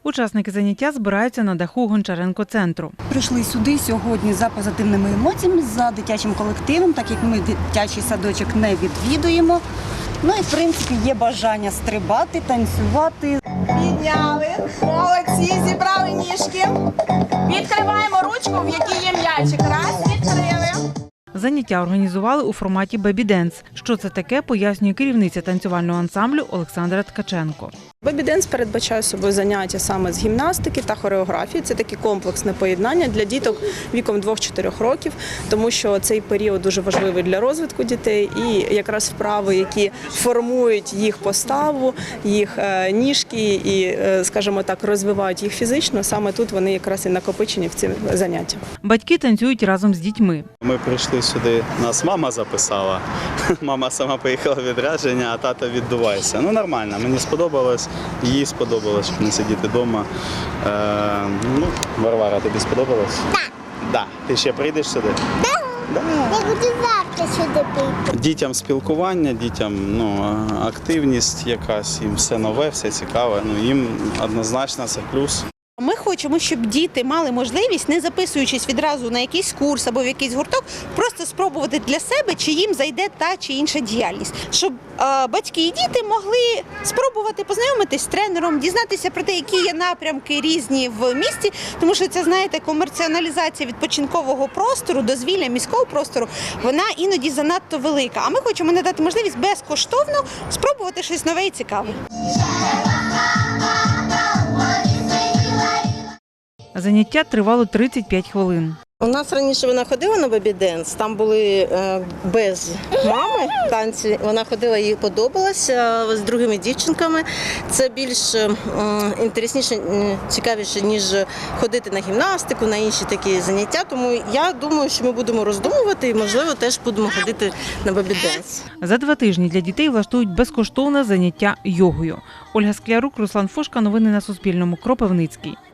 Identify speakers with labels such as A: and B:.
A: Учасники заняття збираються на даху Гончаренко-центру.
B: Прийшли сюди сьогодні за позитивними емоціями, за дитячим колективом, так як ми дитячий садочок не відвідуємо. Ну і, в принципі, є бажання стрибати, танцювати.
C: Підняли, молодці, зібрали ніжки. Відкриваємо ручку, в якій є м'ячик. Раз, відкрили.
A: Заняття організували у форматі бебі-денс. Що це таке, пояснює керівниця танцювального ансамблю Олександра Ткаченко.
D: Бебі-денс передбачає собою заняття саме з гімнастики та хореографії. Це таке комплексне поєднання для діток віком 2-4 років, тому що цей період дуже важливий для розвитку дітей і якраз вправи, які формують їх поставу, їх ніжки і, скажімо так, розвивають їх фізично, саме тут вони якраз і накопичені в ці заняття.
A: Батьки танцюють разом з дітьми.
E: Ми прийшли сюди, нас мама записала. Мама сама поїхала в відрядження, а тато віддувайся. Ну нормально, мені сподобалось, їй сподобалось, щоб не сидіти вдома. Варвара, тобі сподобалось? Так. Да. Ти ще прийдеш сюди? Так. Да.
F: Я буду завтра сюди прийти.
E: Дітям спілкування, дітям активність якась, їм все нове, все цікаве. Їм однозначно це плюс.
G: Ми хочемо, щоб діти мали можливість, не записуючись відразу на якийсь курс або в якийсь гурток, просто спробувати для себе, чи їм зайде та чи інша діяльність. Щоб батьки і діти могли спробувати познайомитись з тренером, дізнатися про те, які є напрямки різні в місті, тому що це, знаєте, комерціоналізація відпочинкового простору, дозвілля міського простору, вона іноді занадто велика. А ми хочемо надати можливість безкоштовно спробувати щось нове і цікаве.
A: Заняття тривало 35 хвилин.
H: У нас раніше вона ходила на бебі-денс, там були без мами танці, вона ходила, їй подобалося з другими дівчинками. Це більш інтересніше, цікавіше, ніж ходити на гімнастику, на інші такі заняття. Тому я думаю, що ми будемо роздумувати і, можливо, теж будемо ходити на бебі-денс.
A: За 2 тижні для дітей влаштують безкоштовне заняття йогою. Ольга Склярук, Руслан Фошка. Новини на Суспільному. Кропивницький.